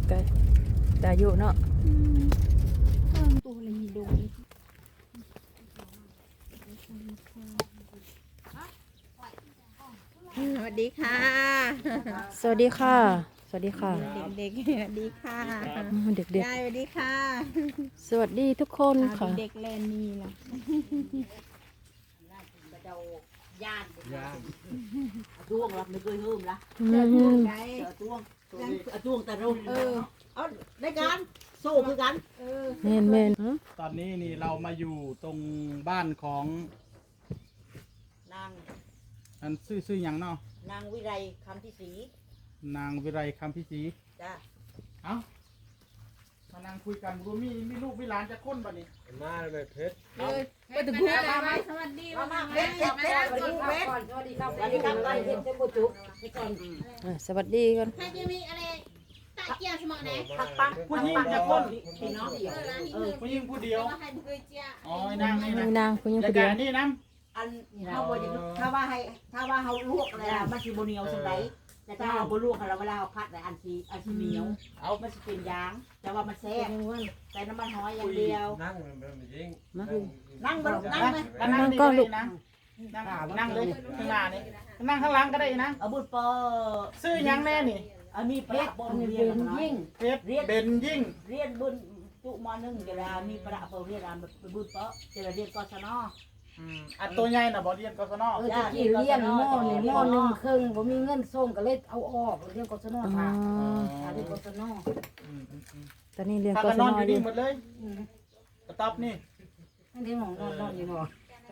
แต่อายุเนาะตัวอะไรมีโดน สวัสดีค่ะสวัสดีค่ะ สวัสดีค่ะเด็กๆสวัสดีค่ะเด็กยายสวัสดีค่ะๆ สวัสดีทุกคนค่ะเด็กๆแลนนี่ล่ะช่วงละไม่เคยเฮิมละไงช่วงแต่เราเอาได้กันโซ่คือกันเมนเมนตอนนี้นี่เรามาอยู่ตรงบ้านของนางอันซื่อหยังเนาะนางวิไลคำที่สีนางวิไลคำพิศรีจ้าเอ้ามานั่งคุยกันรู้มีลูกมีหลานจะค้นบ่นี่มาเลยเพชรไปถึงพูดอะไรสวัสดีมาเพชรเพชรสวัสดีเพชรสวัสดีครับสวัสดีครับตอนเพชรเจ้าบุจุไปก่อนสวัสดีกันใครจะมีอะไรตะเกียบสมองไหนผักปังผู้หญิงจะค้นพี่น้องเดียวผู้หญิงผู้เดียวใครเคยเจียอ๋อไอ้นางนี่นะนางคุณยังแล้วผู้เดียวก็นี่นะอันเขาบอกอย่างถ้าว่าเขาลวกอะไรมันสิบเหนียวสมัยแต่ถ้าเอาบลวกเราเวลาเราพัดอันสีเหนียวเอามันจะเป็นยางแต่ว่ามันแซ่บใส่น้ำมันหอยอย่างเดียวนั่งมันยิงนั่งบนนั่งไหมนั่งนี่ก็ลูกนั่งเลยข้างหน้านี่นั่งข้างหลังก็ได้นะเอาบุญปอซื่อหยังแน่นี่มีเพชรบนเรียนยิ่งเพชรเบนยิ่งเรียนบุญจุมอนึงเวลามีประเปเรียนบุญปอเจริญเรียนกศนอันตัวใหญ่น่ะบ่เรียนกศนตะกี้เรียนหม้อนี่หม้อหนึ่งครึ่งผมมีเงินส่งก็เลยเอาออกเรียนกศนค่ะเรียนกศนตอนนี้เรียนพาก กันศนอนนอยู่อยู่นี่หมดเลยกระต๊อบนี่นั่นที่หมองนอนอยู่หนอน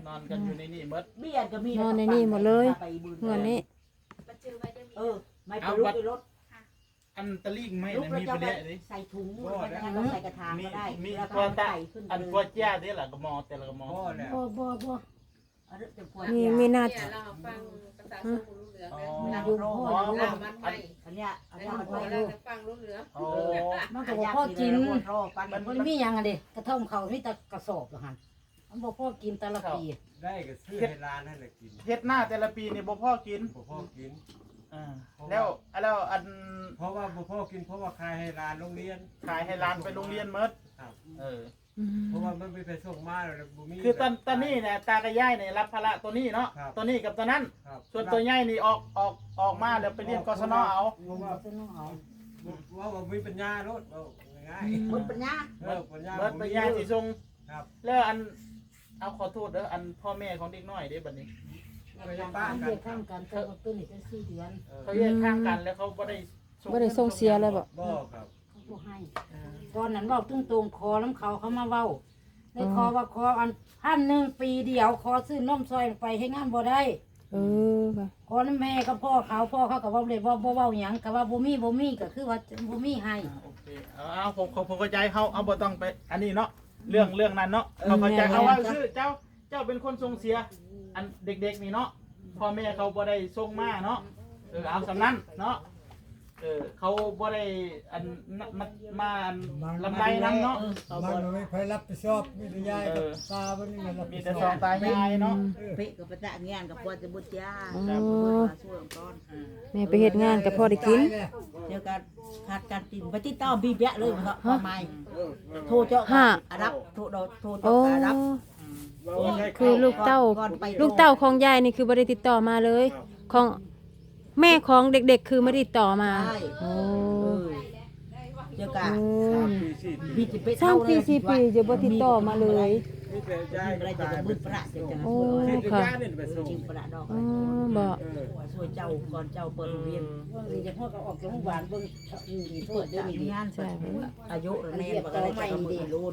อนกันอยู่ในนี่หมดเบี้ยก็มีนอนในนี่หมดเลยเงินนี้ไม่ไปลุกไปรถอันตะลิ่งไม่ลุกนะแล้วมีจะประเดี๋ยวนี้ใส่ถุงต้องใส่กระถางก็ได้มีแล้วกวก็ตาใส่ขึ้นอันกวแจ้เด้ล่ะกระมอแต่ละกระมอพ่อแล้วบ่มีหน้าที่เราฟังภาษาสมุนเหลืองอ๋อเลยอยู่พ่ออ๋ออยู่มันไม่อันเนี้ยอันเนี้ยมันเราไม่เราฟังรู้เหลืองโอ้มันก็บ่พ่อกินปันมันมีหยังอ่ะเด้กระท่อมเขามีแต่กระสอบเหรอหั่นมันบ่พ่อกินแต่ละปีได้ก็ซื้อให้ร้านให้เลยกินเฮ็ดหน้าแต่ละปีนี่บ่พ่อกินพ่อกินแล้วอันเพราะว่าพ่อกินเพราะว่าขายให้ร้านโรงเรียนขายให้ร้านไปโรงเรียนหมดครับเออเพราะว่ามันไม่ไปส่งมาแล้วบุมีคือตอนนี้เนี่ยตากับยายเนี่ยรับภาระตัวนี้เนาะครับตัวนี้กับตัวนั้นครับส่วนตัวใหญ่นี่ออกมาแล้วไปเรียนกศนเอาเพราะว่าว่ามีปัญญารถง่ายหมดปัญญาปัญญาเบิดไปยายสิส่งครับแล้วอันเอาขอโทษเด้ออันพ่อแม่ของเด็กน้อยเด้บัดนี้ไปยังบ้านเรีกัยนกข้างกันแต่ว่าตัวนี้เป็น4 เดือนเขาแยกข้างกันแล้วเขาบ่ได้บ่ได้ส่งเสียเลยบ่บ่ครับเขาบ่ให้ตอนนั้นเว้าตรงๆขอน้ำเขามาเว้าได้ขอว่าขออัน1,000ปีเดียวขอซื้อนมซอยไปให้งานบ่ได้ค่ะขอน้ำแม่กับพ่อเขาก็เว้าเลยบ่เว้าหยังก็ว่าบ่มีก็คือว่าบ่มีให้โอเคเอาผมเข้าใจเขาเอาบ่ต้องไปอันนี้เนาะเรื่องนั้นเนาะเขาเข้าใจเอาว่าคือเจ้าเป็นคนส่งเสียอันเด็กๆนี่เนาะพ่อแม่เขาบ่ได้ส่งมาเนาะเอาสำนั้นเนาะเขาบ่ได้อันมาลำไรน้ำเนาะเขามับ่นไม่ใครรับผิดชอบมีแต่ยายกับตาวันนี้มันรับมีผิดแต่ชสออบ งตายายเนาะเป๊ะกับประจักษ์งานกับปวดจะบุญยาอ๋อช่วยก้อนแม่ไปเฮ็ดงานกับพ่อได้กินเดี๋ยวการขาดการติดไปติดต่อบีเบะเลยมันก็ทำไมโทรเจาะอารับโทรโทรโอ้เจาะอารับคือลูกเต้าของยายนี่คือบ่ได้ติดต่อมาเลย ของแม่ของเด็กๆคือไม่ได้ติดต่อมาโอ้เดี๋ยวกัน 3 ปีบีจะไปสามปี4 ปีจะบ่ติดต่อมาเลยมีแต่ยายอะไรจะบุญประเดี๋ยวจะโอ้ที่ค่ะยายนี่ไปส่งจริงประดอกอ๋อบ่ช่วยเจ้าก่อนเจ้าเปิดโรงเรียนนี่จะพ่อก็ออกจากโรงพยาบาลเบิ่งนี่โทษเด้อนี่งานอายุแน่มันก็เลยจะมือรุน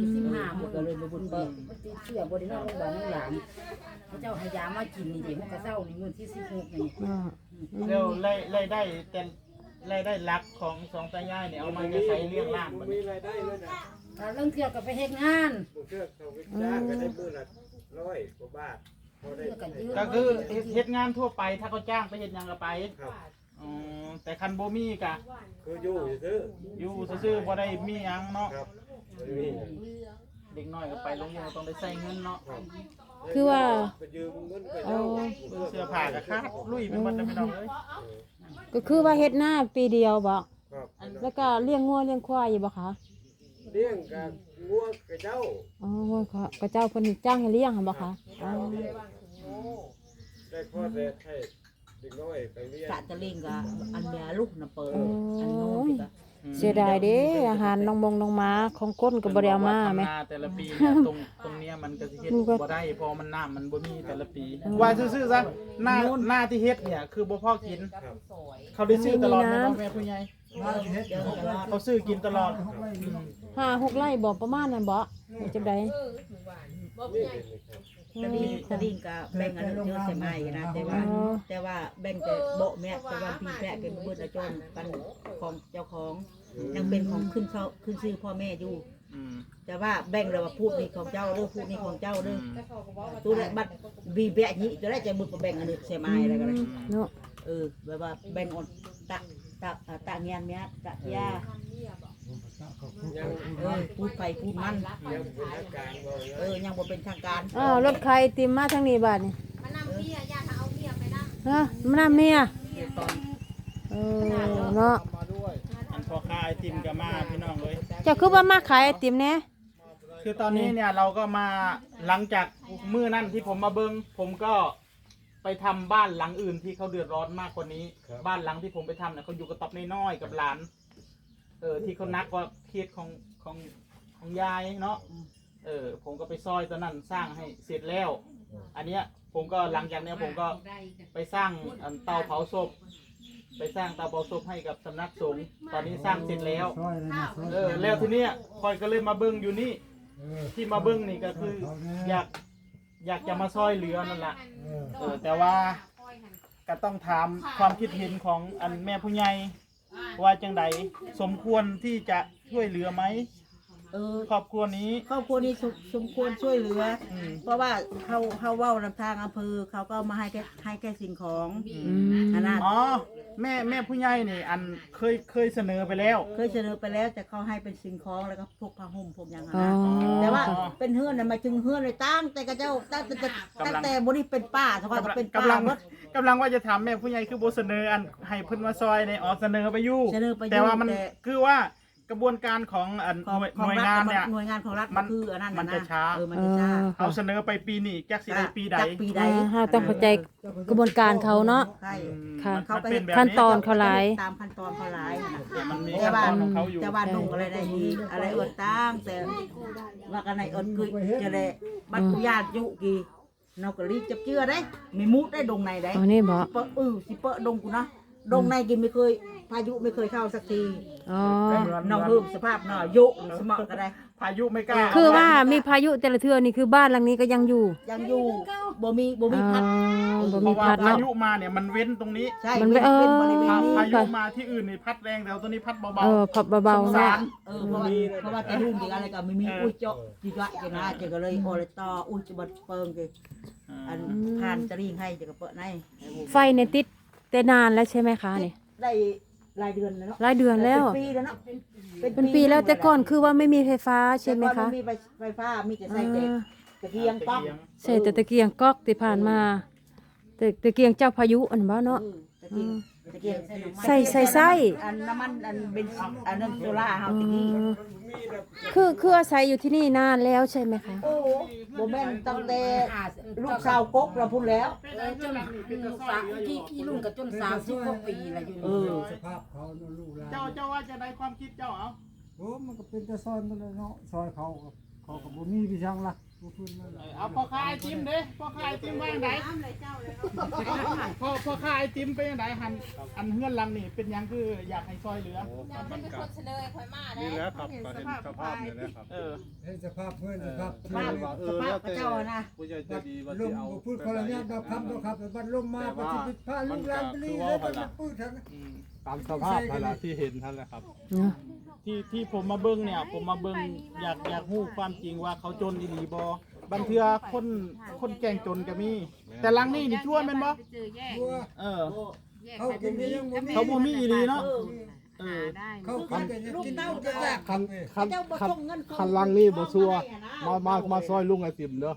15 มันก็เลยมาบุญเปิดมันติดเชื้อบ่ได้นอนโรงพยาบาลนั่งหลานเขาเจ้าให้ยามากินนี่เด็กมันก็เศร้านี่มื้อที่16นี่อ่าแล้วรายได้แต่รายได้หลักของสองตายายเนี่ยเอามาจะใช้เลี้ยงร่างบัดมีนี้รายได้เลยนะถ้าเรื่องเที่ยวก็ไปเฮ็ดงานเชื่อเขาวิจารณ์ก็ได้มื้อละ100 กว่าบาทพอได้เที่ยวก็เยอะก็คือเฮ็ดงานทั่วไปถ้าเขาจ้างไปเฮ็ดหยังก็ไปครับอ๋อแต่คันบ่มีก็คืออยู่ซื้ออยู่ซื่อๆบ่ได้มีหยังเนาะครับมีเด็กน้อยก็ไปโรงเรียนก็ต้องได้ใช้เงินเนาะคือว่าไปยืมเงินไปโอ้เสื้อผ้าก็ขาดลุยไปหมดแล้วพี่น้องเอ้ยก็คือว่าเฮ็ดหน้าปีเดียวบ่ครับอันแล้วก็เลี้ยงงัวเลี้ยงควายอยู่บ่คะเลี้ยงกับงัวกับเจ้าอ๋องัวก็เจ้าเพิ่นจ้างให้เลี้ยงหั่นบ่คะอ๋อได้พ่อแต่ให้เด็กน้อยไปเลี้ยงกะจะเลี้ยงกับอันเมียลูกน่ะเปิดอันโน้นพี่ก็เสียดายเด้อาหารน้องมงน้องหมาของก้นก็บ่ได้เอามาแม่ทำนาแต่ละปีเนี่ยตรงเนี้ยมันก็สิเฮ็ดบ่ได้เพอมันน้ำมันบ่มีแต่ละปีว่าซื่อๆซะหน้าที่เฮ็ดเนี่ยคือบ่พอกินเขาได้ซื้อตลอดแม่น้องแม่ผู้ใหญ่มาเฮ็ดเอาไปเขาซื้อกินตลอด 5-6 ไร่บ่ประมาณนั้นบ่จังได๋ตะลิงกับแบ่งอันเยอะใช่ไหมนะแต่ว่าแบ่งแต่โบแม่แต่ว่าพี่แพะเป็นเบิดอาจนกันของเจ้าของยังเป็นของขึ้นชื่อพ่อแม่อยู่อืมแต่ว่าแบ่งเลยว่าพูดนี่ของเจ้าเด้อพูดนี่ของเจ้าเด้อตัวได้บัดบีแบะนี้จะได้จะบุกแบ่งอันนึงใช่ไหมอะไรกันเลยเนาะแบบว่าแบ่งออกตะเงียนเนี้ยตะยายังพูดไปพูดมันยังเป็นอาการบ่นะยังบ่เป็นทางการอ้าวรถใครติมมาทางนี้บาดนี่มานำเมียญาติเอาเมียไปนั่งฮะมันน่ะเมียตอนเนาะอันพอค้าไอติมก็มาพี่น้องเลยเจ้าคือว่ามาขายไอติมแน่คือตอนนี้เนี่ยเราก็มาหลังจากมื้อนั้นที่ผมมาเบิ่งผมก็ไปทำบ้านหลังอื่นที่เขาเดือดร้อนมากกว่านี้ บ้านหลังที่ผมไปทำเนี่ยเขาอยู่กระต๊อบน้อยๆกับหลานที่เขานักว่าเคสของยายเนาะผมก็ไปซอยตอนนั้นสร้างให้เสร็จแล้ว อันเนี้ยผมก็หลังจากเนี้ยผมก็ไปสร้างเตาเผาศพไปสร้างเตาเผาศพให้กับสำนักสงฆ์ตอนนี้สร้างเสร็จแล้วช่วยเลยนะช่วยแล้วทีเนี้ยคอยก็เลยมาเบิ้งอยู่นี่ ที่มาเบิ้งนี่ก็คืออยากจะมาซอยเหลือนั่นแหละแต่ว่าก็ต้องถามความคิดเห็นของอันแม่ผู้ใหญ่ว่าจังใดสมควรที่จะช่วยเหลือไหมครอบครัวนี้ครอบครัวนี้สมควรช่วยเหลือเพราะว่าเขาเว้านำทางอำเภอเขาก็มาให้แค่สิ่งของขนาดอ๋อแม่ผู้ใหญ่นี่อันเคยเสนอไปแล้วเคยเสนอไปแล้วแต่เขาให้เป็นสิ่งของแล้วก็พวกผ้าห่มพวกอย่างอ๋อนั้นแต่ว่าเป็นเฮือนน่ะมาถึงเฮือนเลยตั้งแต่กระเจ้าตั้งแต่บริเป็นป้าเท่ากับเป็นป้ากำลังว่าจะถามแม่ผู้ใหญ่คือโบเสนออันให้เพิ่นมาซอยในเสนอไปอยู่เสนอไปอยู่แต่ว่ามันคือว่ากระบวนการของอันหน่วยงานเนี่ยหน่วยงานของรัฐมันคืออันนั้นมันจะช้ามันจะช้าเอาเสนอไปปีนี้จักสิได้ปีใดจากปีใดเฮาต้องเข้าใจกระบวนการเขาเนาะใช่ค่ะมันเป็นแบบขั้นตอนเขาหลายตามขั้นตอนเขาหลายมันมีแต่ขั้นว่าตอนของเขาอยู่แต่ว่านุ่งอะไรได้ดีอะไรเอิดตั้งแต่ว่ากันในเอิดคือจะได้บัตรญาติยุกี่เราก็รีบจับเชื่อได้มีมุดได้ดงในได้อ๋อนี่บ่เปะสิเปะดงกูนะดงในกินไม่เคยพายุไม่เคยเข้าสักทีอ๋อน้องเพิ่มสภาพหน่อยยุสมองก็ได้พายุไม่กล้าคือว่ามีพายุแต่ละเทื่อนี่คือบ้านหลังนี้ก็ยังอยู่ยังอยู่บ่มีพัดบ่เพมีราะว่าพัดพาเนาะยุมาเนี่ยมันเว้นตรงนี้ใช่มันไม่เออป็นบริเวณนี้พายุมาที่อื่นนี่พัดแรงแต่ตัวนี้พัดเบาพับเบาๆสาเนาะรเพราะว่าจะรุ่งจริงอะไรก็ไม่มีอุ้ยเจาะจีกะจีนะจีก็เลยโอเลยต่ออุ้ยจะบัดเปิงจีอันผ่านจะริ่งให้จีก็เปิดในไฟเนี่ยติดแต่นานแล้วใช่ไหมคะนี่ได้รายเดือนแล้วเนาะหลายเดือนแล้วเป็นปีแล้วเนาะเป็นปีแล้วแต่ก่อนคือว่าไม่มีไฟฟ้าใช่ไหมแต่ก่อคะนไม่มีไฟฟ้ามีแต่ใส่เด็กตะเกียงป๊อกใช่แต่ตะเกียงก๊อกที่ผ่านมาแต่ตะเกียงเจ้าพายุอันบ่เนาะตะเกียงตะเกียงใส่อันน้ำมันอันเป็นอันนั้นโซล่าเฮาตะกี้คืออาศัยอยู่ที่นี่นานแล้วใช่ไหมคะโอ้โหแม่นตั้งแต่ลูกสาวกกเราพูดแล้วจนกี่รุ่นกับจน30กว่าปีแล้วอยู่สภาพเขาเนาะลูกหลานเจ้าว่าจะได้ความคิดเจ้าเอาโอ้มันก็เป็นแต่ซอยมันเลยเนาะซอยเขาก็บ่มีพี่ช่างละบ่พื้นนั่นแหละเอาพอขายไอติมเด้พอขายไอติมว่าอย่างไรพอขายไอติมเป็นอย่างไรอันเฮือนหลังนี่เป็นหยังคืออยากให้ซอยเหลือมันเป็นคนเสนอข่อยมาได้นี่แหละครับก็เห็นสภาพนี่แหละครับเห็นสภาพเพื่อนสภาพสภาพพระเจ้านะผู้ใหญ่จะดีว่าลสิมเอาบ่พูดคนละอย่างดอกคำดอกครับบัดลมมาปฏิบัติพาลูกหลานไปนี่แล้วมันพูดทั้งตามสภาพนั่นแหละที่เห็นท่านแหละครับเนาะที่ผมมาเบิ้งเนี่ยผมมาเบิ้งอยากรู้ความจริงว่าเขาจนอีหลีบ่บางเทื่อคนแก่งจนก็มี แต่หลังนี่นี่ชั่วแม่นบ่ตัวเออเขากินก็ยังบ่มีเขาบ่มีอีหลีเนาะเออเขากินก็ยังกินก็ยากคันคันลังนี่บ่ซัวมาซอยลุงไอติมเด้อ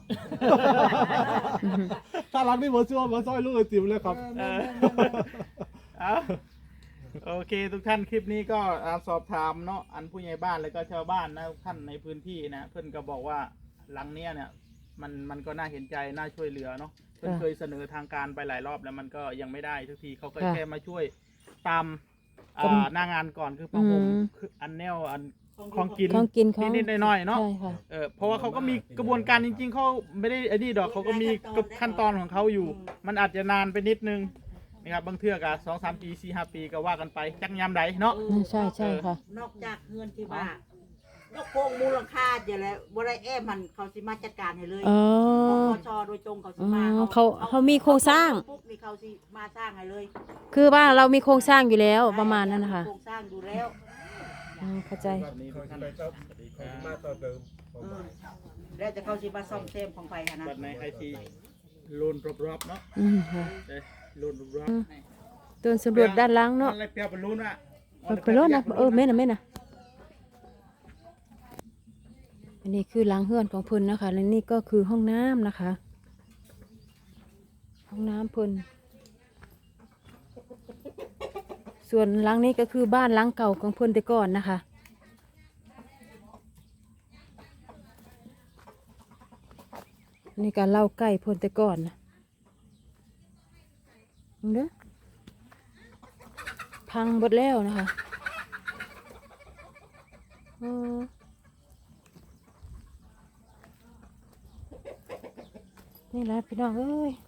ถ้าลังนี่บ่ซัวมาซอยลุงไอติมเลยครับเอาโอเคทุกท่านคลิปนี้ก็สอบถามเนาะอันผู้ใหญ่บ้านแล้วก็ชาวบ้านนะทุกท่านในพื้นที่นะเพื่อนก็บอกว่าหลังเนี้ยเนี่ยมันก็น่าเห็นใจน่าช่วยเหลือเนาะเพื่อนเคยเสนอทางการไปหลายรอบแล้วมันก็ยังไม่ได้ทุกทีเขาก็แค่มาช่วยตามหน้างานก่อนคือผ้าห่มคืออันแนวอันของกินของกินของนิดๆหน่อยๆเนาะใช่ค่ะเพราะว่าเขาก็มีกระบวนการจริงๆเขาไม่ได้ไอ้นี่ดอกเขาก็มีขั้นตอนของเขาอยู่ มันอาจจะนานไปนิดนึงนะครับบางเทื่อก็2-3 ปี4-5 ปีก็ว่ากันไปจักยามใดเนาะใช่ใช่ค่ะนอกจากเงินที่ว่าก็โกงมูลค่าอย่าแล้วบ่ได้มันเขาสิมาจัดการให้เลยอ๋อปปชโดยตรงเขาสิมาอ๋อเขามีโครงสร้างปุ๊บนี่เขาสิมาสร้างให้เลยคือว่าเรามีโครงสร้างอยู่แล้วประมาณนั้นนะคะโครงสร้างอยู่แล้วเข้าใจนี่ทุกท่านแล้วจะเขาสิมาซ่อมแซมของไฟค่ะนะบัดในไอทีโลนรอบๆเนาะค่ะโลนรอบๆตัวสำรวจด้านหล่างเนาะอะไรเปรียบเป็นรูนอ่ะไปรถนะแม่น่ะอันนี้คือหลังเฮือนของเพิ่นนะคะและนี่ก็คือห้องน้ำนะคะ ห้องน้ำเพิ่นส่วนหลังนี้ก็คือบ้านหลังเก่าของเพิ่นแต่ก่อนนะคะนี่การเล่าใกล้เพิ่นแต่ก่อนนะเด้อพังหมดแล้วนะคะนี่แหละพี่น้องเอ้ย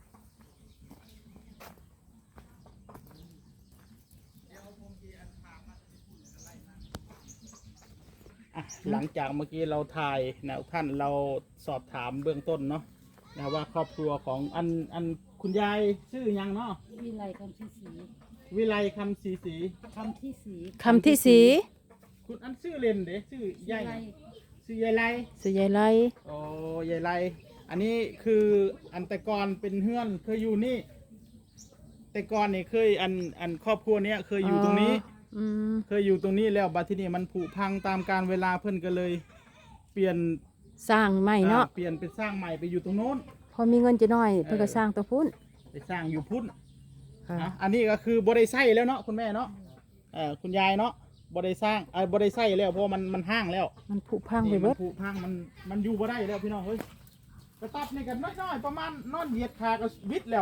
หลังจากเมื่อกี้เราถ่ายนะท่านเราสอบถามเบื้องต้นเนาะนะว่าครอบครัวของอันคุณยายชื่อยังเนาะวิไลคำที่สีวิไลคำศรีศรีคำที่สีคำที่สีคุณอันชื่อเล่นเด้ชื่อยายชื่อยายไลสุยายไลโอ้ยายไลอันนี้คืออันแต่ก่อนเป็นเฮือนเคยอยู่นี่แต่ก่อนนี่เคยอันครอบครัวเนี้ยเคยอยู่ตรงนี้ เคยอยู่ตรงนี้แล้วบัดที่นี่มันผุพังตามการเวลาเพิ่นก็เลย เปลี่ยนสร้างใหม่เนาะเปลี่ยนเป็นสร้างใหม่ไปอยู่ตรงโน้นพอมีเงินจะน้อยเพื่อก็สร้างตัวพุ่นไปสร้างอยู่พุ่นค่ะนะอันนี้ก็คือบริไส้แล้วเนาะคุณแม่เนาะคุณยายเนาะบริสร้างบริไส้แล้วเพราะมันห้างแล้วมันผุพังไปนี่เบิมัดผุพังมันอยู่บ่ได้แล้วพี่น้องเฮ้ยกระตับนี่กันน้อยๆประมาณนอนเหยียดขาก็วิดแล้ว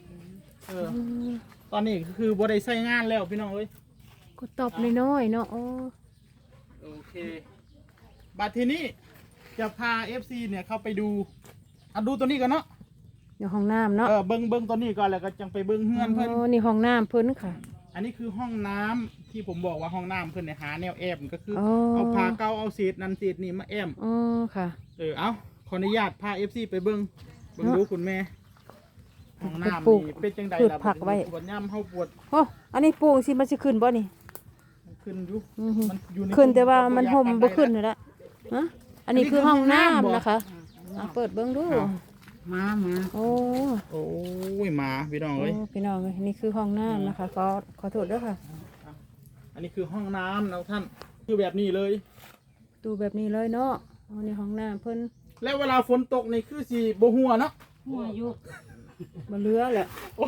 ตอนนี้คือบริไส้งานแล้วพี่น้องเฮ้ยก็ตอบน้อยๆเนาะโอ้โอเคบัดทีนี้จะพา FC เนี่ยเข้าไปดูดูตัวนี้กันเนาะในห้องน้ำเนาะเบิ้งตัวนี้ก่อนแล้วก็จังไปเบิ้งเฮือนเพิ่นโอ้นี่ห้องน้ำเพิ่นค่ะอันนี้คือห้องน้ำที่ผมบอกว่าห้องน้ำเพิ่นเนี่ยหาแนวแอบก็คืออ๋อเอาผ้าเก่าเอาเศษนั่นเศษนี่มาแอมอ๋อค่ะเอาขออนุญาตพา FC ไปเบิ้งดูคุณแม่ห้องน้ำปลูกนี่เป็นจังใดพืชล่ะผักไว้ปวดย่ำเฮาปวดโอ้อันนี้ปลูกสิมันสิขึ้นบ่นี่ขึ้นอยู่อือหือมันอยู่ในขึ้นแต่ว่ามันระยะห่มปาบ่ใดขึ้นแล้วนั่นแหละฮะอันนี้คือห้องน้ำบ่นะคะเปิดเบิ่งดูมาโอ้โอ้ยหมาพี่น้องโอ้เอ้ยพี่น้องเอ้ยนี่คือห้องน้ำนะคะขอโทษด้วยค่ะอันนี้คือห้องน้ำนะท่านคือแบบนี้เลยดูแบบนี้เลยเนาะอ๋อนี่ห้องน้ำเพิ่นแล้วเวลาฝนตกนี่คือสีบ่หัวเนาะหัวอยู่บ่เหลือแหละ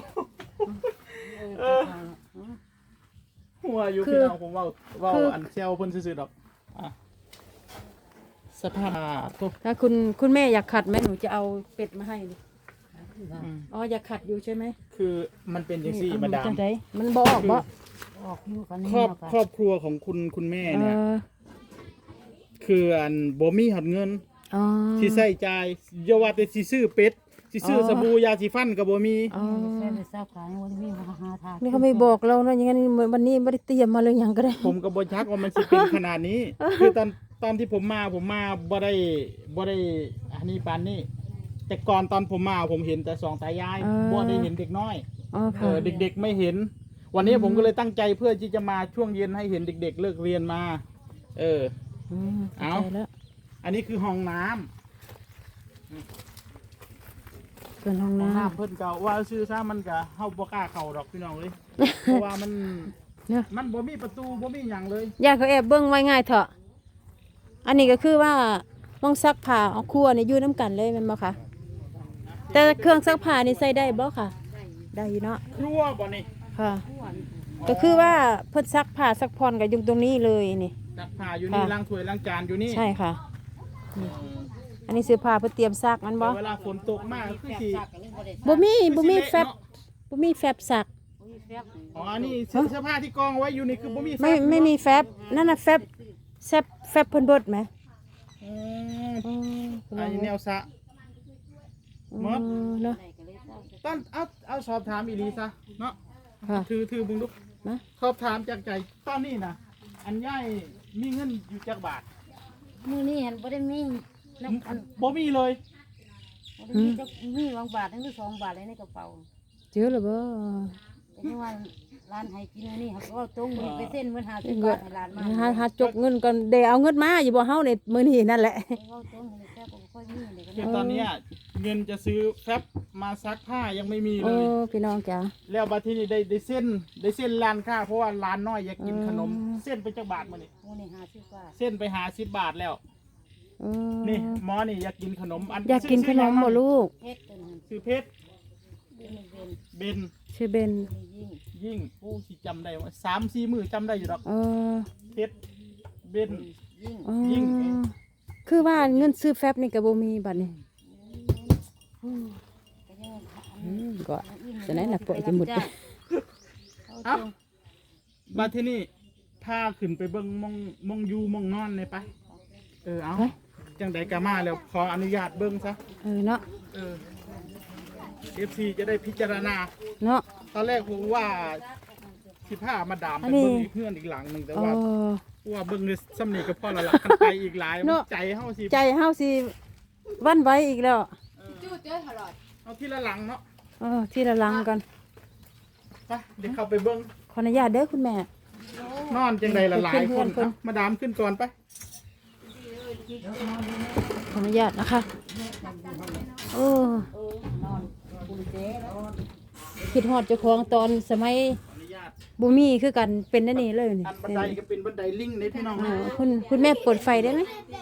หัวอยู่คือพี่น้องผมว่าคืออันเซลเพิ่นซื่อๆดอกสภาพทุกถ้าคุณแม่อยากขัดไหมหนูจะเอาเป็ดมาให้นี่อ๋ออยากขัดอยู่ใช่ไหมคือมันเป็นจังซี่นี่มาดามจังไดมันบ่ออกบ่ออกอยู่กันนี่ครอบเนาะค่ะครอบครัวของคุณแม่เอเนี่ยอคืออันบ่มีหอดเงินอ๋อสิใช้จ่ายอย่าว่าแต่สิซื้อเป็ดสิซื้อสบู่ยาสีฟันก็บ่มีอ๋อแค่ไปทราบขายวันนี้มาหาทางนี่เขาไม่บอกเราเนาะอย่างนั้นวันนี้ไม่ได้เตรียมมาเลยอย่างก็ได้ผมก็บ่ชักว่ามันสิเป็นขนาดนี้ คือตอนที่ผมมาบ่ได้อันนี้ปานนี้ แต่ก่อนตอนผมมาผมเห็นแต่สองตายายบ่ได้เห็นเด็กน้อยอ๋อค่ะเด็กๆไม่เห็น วันนี้ผมก็เลยตั้งใจเพื่อที่จะมาช่วงเย็นให้เห็นเด็ก ๆ เลิกเรียนมาเข้าใจแล้วอันนี้คือห้องน้ำส่วนห้องน้น้ำเพิ่นก็ว่าชื่อซะมันก็เฮาบ่กล้าเข้าดอกพี่น้องเลย เพราะว่ามันำเนี่ยมันบ่มีประตูบ่มีหยังเลยญาติเขาแอบเบิ้งไว้ง่ายเถอะอันนี้ก็คือว่าต้องซักผ้าเอาครัวนี่อยู่น้ำกันเลยแมันบ่คะแต่เครื่องซักผ้านี่ใส่ได้บ่ค่ะ ได้อยู่เนาะครัวบ่นี่ค่ะก็คือว่าเพิ่นซักผ้าซักผ่อนก็อยู่ตรงนี้เลยนี่ซักผ้าอยู่นี่ค่ะล้างถ้วยล้างจานอยู่นี่ใช่ค่ะเอออันนี้เสื้อผ้าเพิ่นเตรียมซักมันบ่แต่เวลาฝนตกมากคือสิบ่มีแฟบบ่มีแฟบซักอ๋ออันนี้เสื้อผ้าที่กองไว้อยู่นี่คือบ่มีแฟบไม่มีแฟบนั่นน่ะแฟบแฟบเพิ่นเบิดไหมอืมอ๋ออันนี้แนวสะ หมดเนาะตอนเอาสอบถามอีหลีซะเนาะค่ะถือบึงดูนะสอบถามจากใจตอนนี้นะอันย่ายมีเงินอยู่จักบาทมื้อนี้เห็นบ่ได้มีน้ำอันบ่มีเลยบ่ได้มีจักมีบางบาททั้งที่2 บาทเลยในกระเป๋าเจอแล้วบ่แต่ที่ว่าร้านให้กินอันนี้เขาก็ตรงมือไปเส้นเหมือน50 เงิบาน ทให้ร้านมาหาจกเงินก่อนเดี๋ยวเอาเงินมาอยู่บ่เฮานี่มื้อนี้นั่นแหละเขาตรงให้แค่บ่ค่อยมีเดี๋ยวก็คือตอนเนี้ยเงินจะซื้อแฟบมาซักผ้ายังไม่มีเลโอ้ยพี่น้องจ๋าแล้วบัดทีนี้ได้เส้นร้านค้าเพราะว่าร้านน้อยอยากกินขนม เส้นไปจักบาทมานี่มื้อนี้50 บาทเส้นไป50 บาทแล้วเออนี่หมอนี่อยากกินขนมอันอยากกินขนมบ่ลูกเฮ็ดตัวนั้นซื้อเพชรเป็นเป็นเบนชื่อเบนยิ่งยิ่งโอ้สิจำได้ว่า3-4 มื้อจำได้อยู่ดอกเออเพชรเบนยิ่งอ๋อยิ่งคือว่าเงินซื้อแฟบนี่ก็บ่มีบัดนี้ก็ยังก็จะไหนน่ะปล่อยจะหมดไปเอ้าบัดทีนี้พาขึ้นไปเบิ่งมองอยู่มองนอนเลยไปเอาจังใดก็มาแล้วขออนุญาตเบิ่งซะเนาะ FC จะได้พิจารณาเนาะตอนแรกผมว่าสิพามาดามอัไปนนี้เบิ่งอีกเพื่อนอีกหลังหนึงแต่เอว่าอว่าเบิ่งในสำนีกับพ่อละหลักกันไปอีกหลายเนาะใจเฮาสิใจเฮาสิวันไหวอีกแล้วจู้เจ้ตลอดเอาทีละหลังเนาะที่ละลังกันไปเดี๋ยวเข้าไปเบิ่งขออนุญาตเด้อคุณแม่นอนจังใดละหลายเพื่คอน นๆเอามาดามขึ้นก่อนไปขออนุญาตนะคะโอ้นอนปูเจ๊นอนคิดฮอดเจ้าของตอนสมัยขออนุญาตบ่มีคือกันเป็นนั่นนี่เลยนี่อันบันไดก็เป็นบันไดลิงในพี่น้องคุณแม่เปิดไฟได้ไหม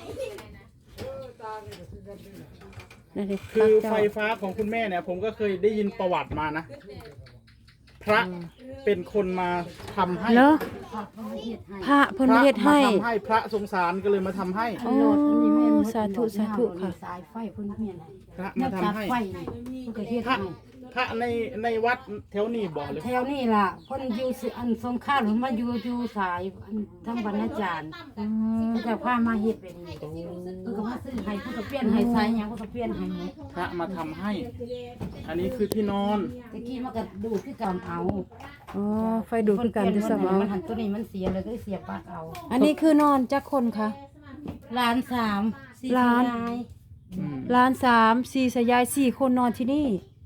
นั่นดิคือไฟฟ้าของคุณแม่เนี่ย ผมก็เคยได้ยินประวัติมานะ พระเป็นคนมาทำให้เนาะพระเพิ่นเฮ็ดให้พระเพิ่นเฮ็ดให้มาทำให้พระสงสารก็เลยมาทำให้โอ้สาธุสาธุค่ะสายไฟเพิ่นเมียนพระนัมาก ทำตัดให้ไฟนี่เพิ่นก็เฮ็ดพระให้พระในวัดแถวนี้บอกเลยแถวนี้ล่ะเพิ่นอยู่สิอันสงขลาหรือมาอยู่สายอันทางบรรณาจารย์เพิ่นจะพามาเฮ็ดเป็นนี่เพิ่นก็มาซื้อให้เพิ่นก็เปลี่ยนให้สายหยังเพิ่นก็เปลี่ยนให้หมดพระมาทำให้ อันนี้คือที่นอนตะกี้มันก็ดูดคือกันเอาอ๋อไฟดูดคือกันจะสมเพิ่นเอามันหันตัวนี้มันเสียเลยก็เลยเสียปลั๊กเอาอันนี้คือนอนจักคนค่ะล้านสามสี่ล้านยายล้าน3 4สยาย4คนนอนที่นี่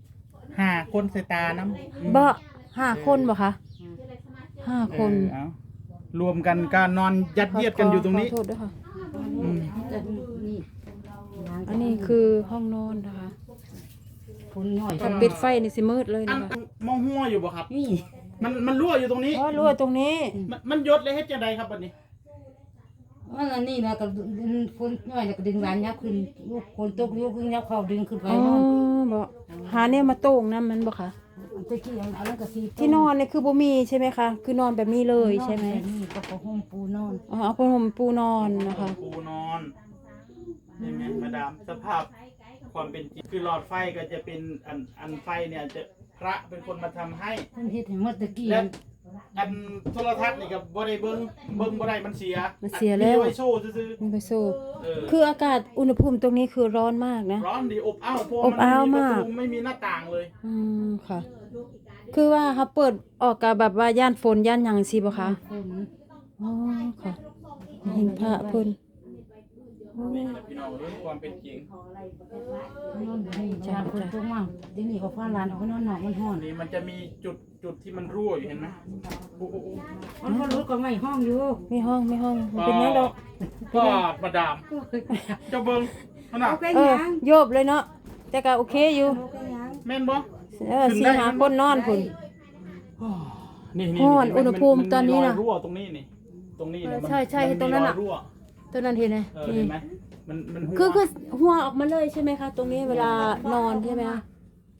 5 คนใส่ตาน้ำบ่5คนบ่คะ5คนเอารวมกันการนอนยัดเยียดกันอยู่ตรงนี้ขอโทษด้วยค่ะอืมแต่นี่อันนี้คือห้องนอนนะคะคนหน่อยถ้าปิดไฟนี่สิมืดเลยอันะนคะมองหัวอยู่บ่ครับนี่มันรั่วอยู่ตรงนี้อ๋อรั่วตรงนี้มันยศเลยเฮ็ดจังไดครับบัดนี้มันอันนี้นะก็ดึงคนหน่อยแล้วก็ดึงหลานยับขึ้นลูกคนตกลูกขึ้นยับเข้าดึงขึ้นไปอ๋อนอนบ่หาเนี่ยมาโต่งนํมันบ่คะตะกี้อันนั้นก็สีที่นอนนี่คือบ่มีใช่ไหมคะ คือนอนแบบนี้เลยใช่ไหมนี่ก็ผ้าห่มปูนอนอ๋อเอาผ้าห่มปูนอนนะคะปูนอนนี่ไงมาดามสภาพความเป็นจริงคือหลอดไฟก็จะเป็นอันไฟเนี่ยจะพระเป็นคนมาทำให้เพิ่นเฮ็ดให้หมดตะกี้และอันโทรทัศน์นี่ก็บ่ได้เบิ่งบ่ได้มันเสียมันเสียแล้วมีไว้โชว์ซื่อนี่ไปสู้ๆเออคืออากาศอุณหภูมิตรงนี้คือร้อนมากนะร้อนดีอบอ้าวเพราะอบอ้าวนมากประตูไม่มีหน้าต่างเลยค่ะ คือว่าเขาเปิดออกกับแบบว่าย่านฝนย่านหยังสิบ่คะฝนอ๋อค่ะเห็นพระเพิ่นนี่แหละพี่น้องเรื่องความเป็นจริงนอนนี่จ้าฝนตกมาเดี๋ยวนี้ก็ฟ้าลานออกไปนอนนอกมันร้อนนี่มันจะมีจุดที่มันรั่วอยู่เห็นไหมโอ้โหมันก็รถก็ไม่ห้องอยู่มีห้องมันเป็นหยังดอกก็มาดามเจ้าเบิ่งขนาดโยบเลยเนาะแต่ก็โอเคอยู่แม่นบ่ 4 5คนนอนพุ่นนี่ฮ้อนอุณหภูมิตอนนี้น่ะมัมีรอยรั่วตรงนี้นี่ตรงนี้เนี่ยมันใช่ๆมัมีตรงนั้นน่ะอยรั่วตัวนั้นเห็นไหมเห็นไหมมันหัวคือหัวออกมาเลยใช่ไหมคะ ตรงนี้เวลานอนใช่ไหมคะ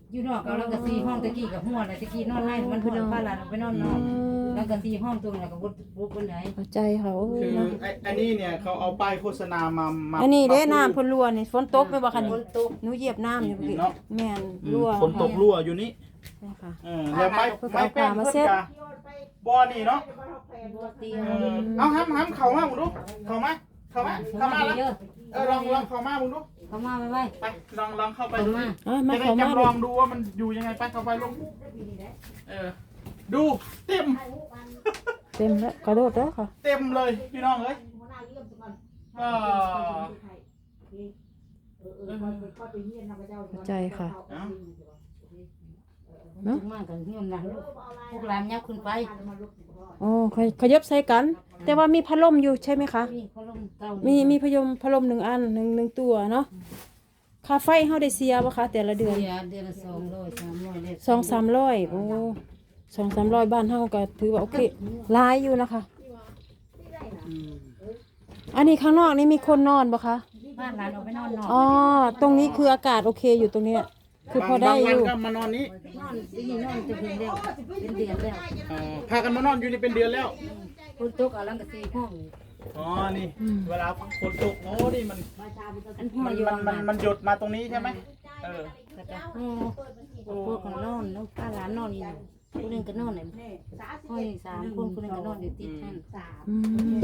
อยู่นอกเอาแล้วก็4ห้องตะกี้กับหัวน่ะตะกี้นอนในมันเพิ่นพาหลานไปนอนนอกแล้วก็4ห้องตรงนั้นก็บ่ปานใดเข้าใจเขาโอ้คืยอเนาะอันนี้เนี่ยเขาเอาป้ายโฆษณามาอันนี้เด้มาน้ำพ่นรั่วนี่ฝนตกไปบ่คะนี่ฝนตกหนูเหยียบน้ำอยู่พี่เนาะแม่นอืมรั่วฝนตกรั่วอยู่นี่ใช่ค่ะแล้วไม้แป้งเพิ่นกะบ่อนี่เนาะบ่เตียเอาห้ำเข้ามามึงดูเข้ามาแล้วเยอะลองเข้ามามึงดูเข้ามาไว้ไปลองเข้าไปเข้าดูมามาจะได้เข้ามาจำลองดูว่ามันอยู่ยังไงไปเข้าไปลงดูเต็มเต็มแล้วกระโดดแล้วค่ะเต็มเลยพี่น้องเอ้ยก็เข้าใจค่ะเนาะมากันเฮียนหลังพวกหลานยับขึ้นไปอ๋อขยับใส่กัน แต่ว่ามีพัดลมอยู่ใช่ไหมคะมีเขาลงเตามีพัดลม1 อันหนึ่งตัวเนาะค่าไฟเฮาได้เสียบ่คะแต่ละเดือนเดือนละ200 300ได้ 2-300โอ้2-300บ้านเฮาก็ถือว่าโอเคหลายอยู่นะคะ อันนี้ข้างนอกนี่มีคนนอนบ่คะบ้านหลานออกไปนอนนอกอ๋อตรงนี้คืออากาศโอเคอยู่ตรงเนี้ยคือพอได้อยู่บางวันก็มานอนนี้นอนที่นี่นอนจะเป็นเดือนเป็นเดือนแล้วพากันมานอนอยู่นี่เป็นเดือนแล้วคนตกเอาลังกะ4ห้องอ๋อนี่เวลาฝนตกโอ้นี่มันอันหัวอยู่มันหยดมาตรงนี้ใช่ไหมก็จะพวกกันนอนแล้วป้าหลานนอนอยู่คนนึงก็นอนเลยห้อย3คนคนนึงก็นอนอยู่ติดท่านอืม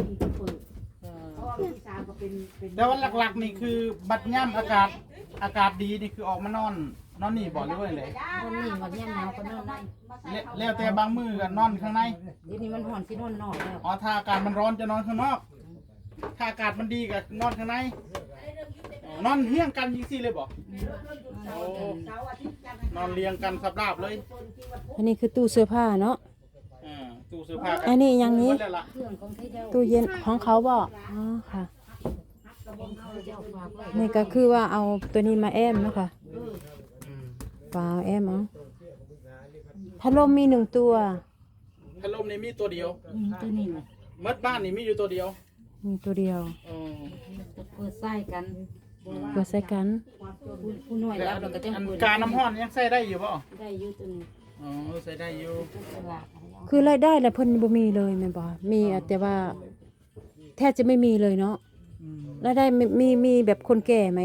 แล้ววันหลักๆนี่คือบัดย่ำอากาศดีนี่คือออกมานอนนี่บ่หรือว่าเลยคนนี้มันยังหนาวก็นอนได้แล้วแต่บางมือก็นอนข้างในเดี๋ยวนี้มันห่อนสินอนนอกแล้วอ๋อถ้าอากาศมันร้อนจะนอนข้างนอก ถ้าอากาศมันดีก็นอนข้างในนอนเฮี้ยงกันยิงซี่เลยบ่โอ้นอนเรียงกันสับราบเลยอันนี้คือตู้เสื้อผ้าเนาะตู้เสื้อผ้าอันนี้อย่างนี้เครื่องของที่เจ้าตู้เย็นของเขาบ่อ๋อค่ะเจ้าฝากไว้นี่ก็คือว่าเอาตัวนี้มาแอมเนาะค่ะเปล่าแอมเอาพัดลมมี1 ตัวพัดลมนี่มีตัวเดียวตัวนี้น่ะมัดบ้านนี่มีอยู่ตัวเดียวมีตัวเดียวเปิดไส้กันเปิดใส่กันผู้น้อยรับแล้วก็จังอันเปิดกาน้ำห้อนยังใส่ได้อยู่ป่ะได้อยู่ตัวนี้อ๋อใส่ได้อยู่ตลาดอะไรเอาคือรายได้แล้วเพิ่นบ่มีเลยแม่นบ่มีแต่ว่าแทบจะไม่มีเลยเนาะรายได้มีแบบคนแก่ไหม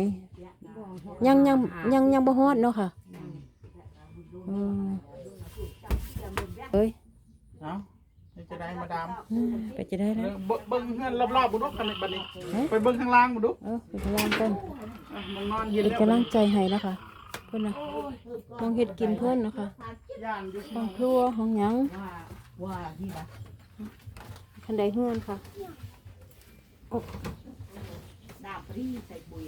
ยังบ่ฮอดเนาะค่ะอืมเอ้ยเนาะจะได้มาดามไปจะได้แล้วเบิ้งเฮือนรอบๆบุดุคันบัดนี้ไปเบิ้งข้างล่างบุดุเป็นกำลังกันมันนอนเย็นเป็นแล้วกำลังใจให้นะคะเพิ่นน่ะมองเฮ็ดกินเพิ่นนะคะย่านอยู่ห้องครัวห้องหยังว่าที่ละคันใดเฮือนค่ะดาบรีใส่ปุ๋ย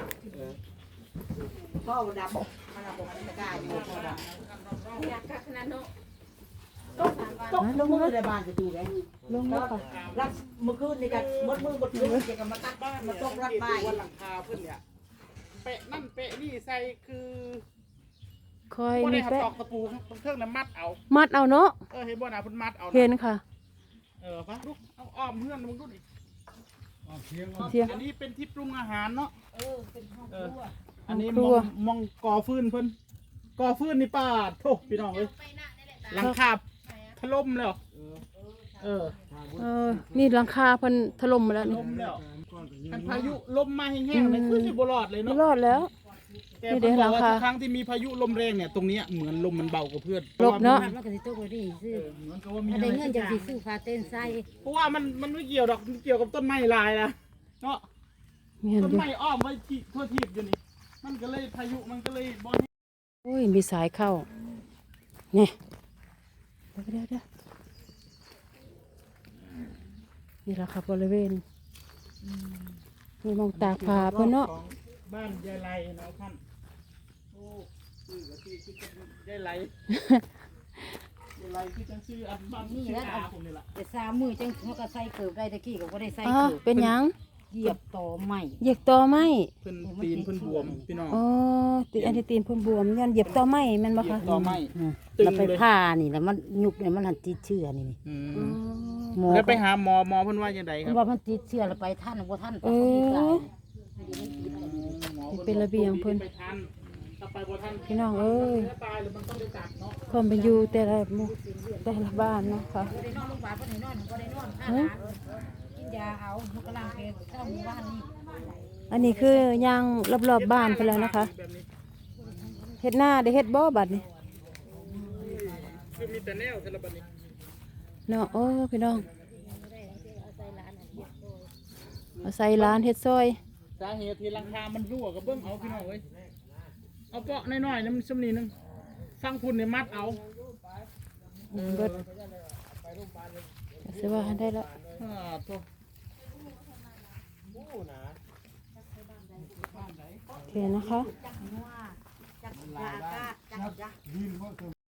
ก็ดำมันเอาบอกมันกล้าอยู่ก็ดำอยากกักขนาดเนาะตกมือในบ้านจะดูไงลงแล้วค่ะรัดเมื่อคืนนี่กันมดมือมดคืนจะกันมาตัดบ้านมาตกรัดบ้านวันหลังคาเพิ่นเนี่ยเปะนั่นเปะนี่ใส่คือคอยบ่ได้มีหัดแปะตอกตะปูเครื่องน้ำมัดเอามัดเอาเนาะเห็นบ่น่ะเพิ่นมัดเอาเห็นค่ะปะลูกเอาอ้อมเฮือนมึงดูดิเสียงอันนี้เป็นที่ปรุงอาหารเนาะเป็นห้องครัวอันนี้ครัวมองก่อฟืนเพิ่นก่อฟืนนี่ป้าโถพี่น้องเอ้ยหลังคาถล่มแล้วนี่หลังคาเพิ่นถล่มมาแล้วนี่ล่มแล้วคันพายุลมมาแห้งๆเลยคือสิบ่รอดเลยไม่เนาะรอดแล้วแต่เพิ่นบอกว่าทุกครั้งที่มีพายุลมแรงเนี่ยตรงเนี้ยเหมือนลมมันเบากว่าเพื่อนหลบเนาะมันก็สิตกไว้ดีซื้อเหมือนกับว่ามีถ้าได้เงินจะสิซื้อฟ้าเต้นไส้เพราะว่ามันไม่เกี่ยวดอกมันเกี่ยวกับต้นไม้ลายนะเนาะแม่นต้นอยู่ไม้อ้อมไว้ที่ทั่วทีบอยู่นี่มันก็เลยพายุมันก็เลยบ่โอ้ยมีสายเข้าเนี่ยเดี๋ยวนี่แหละค่ะบริเวณนี่มองตากผ้าเพิ่นเนาะบ้านยายไลเนาะท่านโอ้ชื่อก็ชื่อยายไลยายไลคือจังชื่ออันบ้านนี่แหละผมนี่ล่ะแต่3มื้อจังเขาก็ใส่เกิบได้ตะกี้ก็บ่ได้ใส่อ๋อเกิบเป็นหยังเหยียบต่อใหม่เหยียบต่อไม้เพิ่นตีนเพิ่นบวมพี่น้องอ๋อติอันนี้ตีนเพิ่นบวมยันเหยียบต่อไม้แม่นบ่เหยียคะบต่อไม้ตึงแล้วไปเลยผ่านี่แล้วมันยุบเนี่ยมันหันติดเชื้อนี่อือ๋อมหมอแล้วไปหาหมอเพิ่นว่าจังไดคมัรันบว่ามันติดเชื้อแล้วไปท่านบ่ท่านเออ เป็นระเบียงเพิ่นไปทันถ้าไปบ่ทันพี่น้องเอ้ยเนื้อตายหรือมันต้องได้ตัดเนาะความเป็นอยู่แต่ละหมู่แต่ละบ้านเนาะค่ะบ่ได้นอนโรงพยาบาลบ่ได้นอนบ่ได้นอนค่าหลานกินยาเอามันกำลังเป็นเข้าหมู่บ้านนี่อันนี้คือย่างรอบๆบ้านไปแล้วนะคะแบบนี้เฮ็ดหน้าได้เฮ็ดบ่บัดนี้คือมีแต่แนวแต่ละบัดนี้เนาะโอ้พี่น้องเอาใส่ร้านเฮ็ดซอยสาเหตุที่ราคามันรั่วกับเบิ้งเอาพี่น้องเอ้ยเอาเปาะน้อยๆน้ำซ้ำนี้นึงฟังพุ่นเนี่ยมัดเอาเบิดสิว่าได้แล้วโถ่โอเคนะคะจักรยากาศจักรยายินบ่